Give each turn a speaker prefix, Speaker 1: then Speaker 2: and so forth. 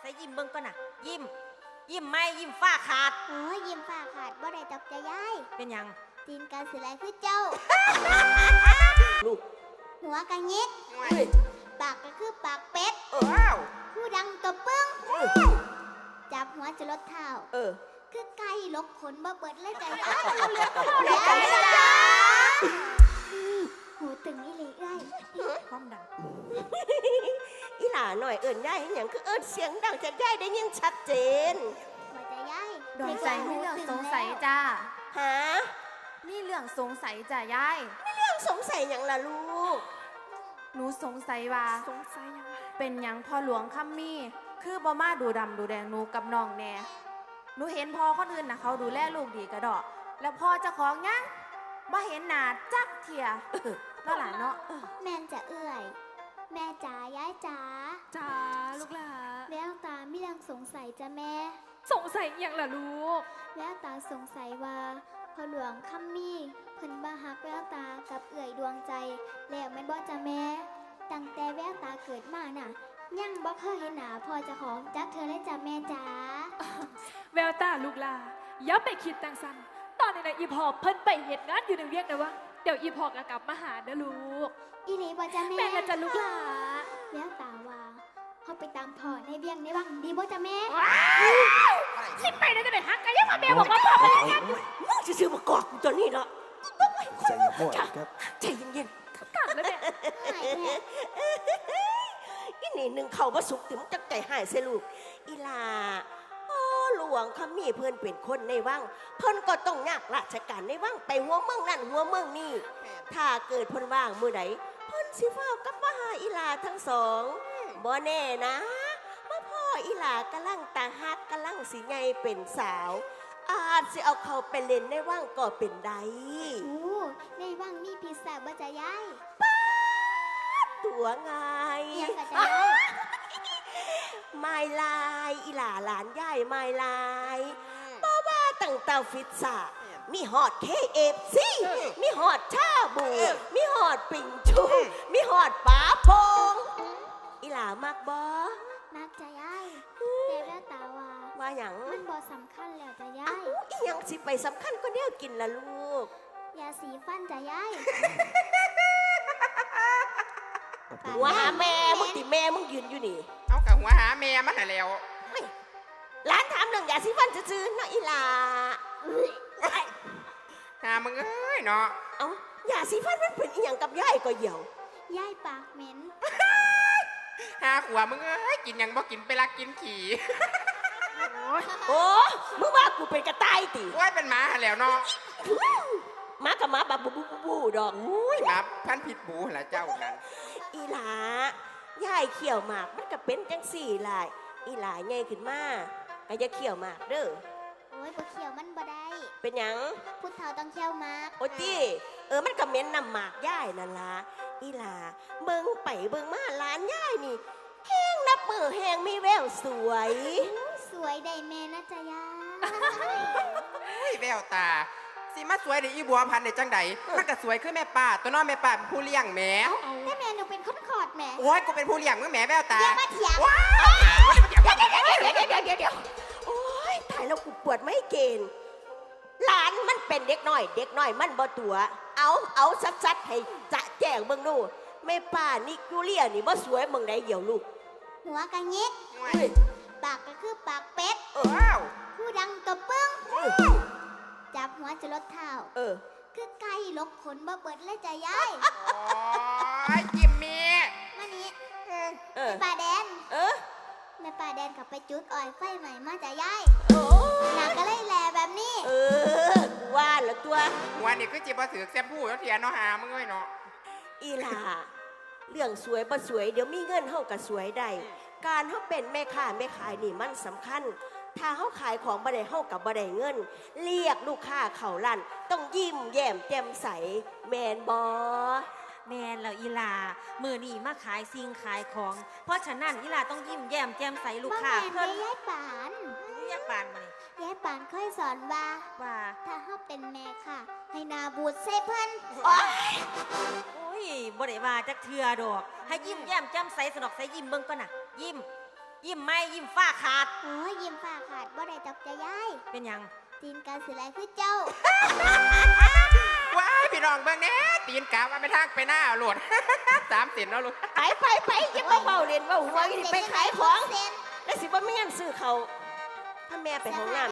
Speaker 1: ส่ยิ้มเบิ่งก่อนน่ะยิ้มยิ้มไม่ยิ้มฝ้าขาด
Speaker 2: โอ้ยยิ้มฝ้าขาดบ่ได้ดอกจะย้าย
Speaker 1: เป็นยัง
Speaker 2: ตีนการสิไหลคือเจ้า
Speaker 3: ลูก
Speaker 2: หัวกะงิกปากก็คือปากเป็ดหูดังตัวปึ้งจับหัวจะลดเท้าคือไก่ลกขนบ่เบิดเลยใจย้ายจ้าหูตึงอีหลีเอ้ย
Speaker 1: ความดัง
Speaker 3: อีหล่าหน่อยเอิญย่ายอย่างคือเอิญเสียงดังจะย่ายได้ยังชัดเจน
Speaker 2: หัวใจย้าย
Speaker 4: ดวงใจมีเรื่องสงสัยจ้า
Speaker 3: ฮะ
Speaker 4: มีเรื่องสงสัยจ้ายาย
Speaker 3: มีเรื่องสงสัยอย่างล่ะลูก
Speaker 4: หนูสงสัยว่าเป็นหยังพ่อหลวงคัมมี่คือบ่มาดูดำดูแดงหนูกับน้องแน่หนูเห็นพ่อคนอื่นนะเขาดูแลลูกดีกระดอกแล้วพ่อเจ้าของยังบ่เห็นหน้าจักเทียนั่นแหละเนาะ
Speaker 2: แม่จะเอื่อยแม่จ๋าย้ายจ๋า
Speaker 5: จ๋าลูกหลา
Speaker 2: แววตามีเรื่องสงสัยจ้ะแม่
Speaker 5: สงสัยอย่างล่ะลูก
Speaker 2: แววตาสงสัยว่าพ่อหลวงคัมมี่เพิ่นบ่ฮักแววตากับเอื่อยดวงใจแล้วแม่นบ่จ้ะแม่ตั้งแต่แววตาเกิดมาน่ะยังบ่เคยเห็นหน้าพ่อเจ้าของจักเธอเลยจ้ะแม่จ๋า
Speaker 5: แววตาลูกหลาอย่าไปคิดตังสันตอนนี้นะอีพอเพิ่นไปเฮ็ดงานอยู่ในเวียกนะวะเดี๋ยวอีพอก็กลับมาหาเด้อลูก
Speaker 2: อีหลีบ่จ้ะแม่
Speaker 5: แม่ละจ้ะลูกหลา
Speaker 2: แววตาว่าเฮาไปตามพ่อในเวียงในวังดีบ่จ้ะแม่
Speaker 5: สิไปได้จังได๋ฮักกันยังมาแม่บอกว่าพ่อไปเฮ็ดงาน
Speaker 3: มึงซื่อๆบ่กอกกูตัวนี้เนาะ
Speaker 6: ใจเย็นพ่อครับ
Speaker 3: ใจเย็น
Speaker 5: ๆกัดแล้วเนี่ย
Speaker 3: อีนี่หนึ่งเข้าบ่สุกถึงจักใจหายเสียลูกอีหล่าพ่อหลวงคัมมี่เพิ่นเป็นคนในวังเพิ่นก็ต้องยากราชการในวังไปหัวเมืองนั่นหัวเมืองนี่ถ้าเกิดเพิ่นว่างมื้อใดเพิ่นสิฟ้าวกลับมาหาอีหล่าทั้งสองบ่แน่นะว่าพ่ออีหล่ากำลังตาฮักกำลังสิใหญ่เป็นสาวอาจสิเอาเขาไปเล่นในวังก็เป็นได้
Speaker 2: โอ้ในวังมีพิซซ่าบ่จ้ะยาย
Speaker 3: ตัวไง
Speaker 2: ยังก็จะยาย
Speaker 3: ไม่ลายอีหล่าหลานย่ายไม่ลายเพราะว่าตั้งแต่ฟิตซ่ามีฮอด KFC มีฮอดชาบูมีฮอดปิ่งชูมีฮอดป๋าพงอีหล่ามากบ่
Speaker 2: มากจ้ะยายแต่แล้วตาว่า
Speaker 3: หยัง
Speaker 2: มันบ่สำคัญแล้วจ้ะยาย
Speaker 3: อีหยังสิไปสำคัญก็แนวกินล่ะลูก
Speaker 2: ยาสีฟันจ้ะยาย
Speaker 3: หัวหาแม่มึงติแม่มึงยืนอยู่นี่
Speaker 7: เอากับหัวหาแม่มาหาแล้ว
Speaker 3: ร้านถามเรื่องยาสีฟันซื่อๆนะอีหล่า
Speaker 7: หามึงเอ้ยเนาะ
Speaker 3: เอายาสีฟันมันเป็นอีหยังกับยายก็เหี่ย
Speaker 2: วยายปากเหม็น
Speaker 7: หาขวมึงเอ้ยกินยังบ่กินไปลักกินขี่
Speaker 3: โอ้มึงว่ากูเป็นกระต่ายติ
Speaker 7: โอ้ยเป็นหมาหาแล้วเนาะ
Speaker 3: หมากับหมาแบบบูดอก
Speaker 7: หมาพันผิดบูหละเจ้านั้น
Speaker 3: อีหลายายเขี่ยวหมากมันก็เป็นจังสี่ลายอีหลาใหญ่ขึ้นมาก็จะเขี่ยวหมากเด้อ
Speaker 2: โอ้ยบ่เขี่ยวมันบ่ได้
Speaker 3: เป็นหยัง
Speaker 2: พุทธเฒ่าต้องเขี่ยวหมาก
Speaker 3: โอ้จี้มันก็เหม็นนำหมากยายนั่นล่ะอีหลาเบิ่งไปเบิ่งมาหลานยายนี่แห้งนับมือแห้งมีแววสวย
Speaker 2: สวยได้แม่นะจ๊ะยาย
Speaker 7: แววตาสิมาสวยในอีบัวพันในจังใดมันก็สวยขึ้นแม่ป้าตัวน้องแม่ป้าเป็นผู้เลี้ยงแม่
Speaker 2: แต่แม่หนูเป็นคนขอดแม่
Speaker 7: โอ้ยกูเป็นผู้เลี้ยงมึงแม่แววตา
Speaker 2: อย่ามาเถียง
Speaker 3: เดี๋ยวโอ้ยตายแล้วกูปวดไม่เกณฑ์หลานมันเป็นเด็กน้อยมันบ่ตัวเอาซัดให้จะแจ้งเบิ่งดูแม่ป้านี่กูเลี้ยนี่บ่สวยมึงได้เหี่ยวลูก
Speaker 2: หัวกะงิกปากก็คือปากเป็ดหูดังตัวปึ้งจับหัวจะลดเท้าคือไก่ลกขนบ่เบิดเลยจ้ะยาย
Speaker 7: โอ้ยจิมมี่
Speaker 2: มานี่แม่ป่าแดนแม่ป่าแดนกับไปจุดอ้อยไฟใหม่มาจ้ะยายหนักก็เลยแหล่แบบนี้
Speaker 3: ว่าแล้วตัว
Speaker 7: หัวนี่คือจิบบ่ถือแซมพูแล้วเทียนเนาะหามึงเอ้ยเนาะ
Speaker 3: อีหล่าเรื่องสวยบ่สวยเดี๋ยวมีเงินเฮาก็สวยได้การเฮาเป็นแม่ค้าแม่ขายนี่มันสำคัญถ้าเฮาขายของบ่ได้เฮากับบ่ได้เงินเรียกลูกค้าเข้าร้านต้องยิ้มแย้มแจ่มใสแม่นบ่
Speaker 1: แม่นแล้วอีหล่ามื้อนี้มาขายสิ่งขายของเพราะฉะนั้นอีหล่าต้องยิ้มแย้มแจ่มใสลูกค้า
Speaker 2: เพิ่นยายปาน
Speaker 1: ยายปานมา
Speaker 2: นี่ยายปานเคยสอนว่าถ้าเฮาเป็นแม่ค่ะให้นาบูดใส่เพิ่น
Speaker 1: โอ้ยบ่ได้ว่าจักเทื่อดอกให้ยิ้มแย้มแจ่มใสสนอกใสยิ้มเบิ่งก่อนน่ะยิ้มยิ้มไม่ยิ้มฝ้าขาด
Speaker 2: โอ้ยยิ้มฝ้าขาดบ่ได้จับใจยาย
Speaker 1: เป็นหยัง
Speaker 2: ตีนการสิแลคือเจ้า
Speaker 7: ว้ายพี่น้องเบิ่งแหน่ตีนกาว่าไปทางไปหน้าโหลด 3 สินเนาะลูก
Speaker 3: ไปอย่ามาเบาเล่นเบาหัวอย่าไปขายของแล้วสิบ่มีเงินซื้อเขาวถ้าแม่ไปห้องน้ำ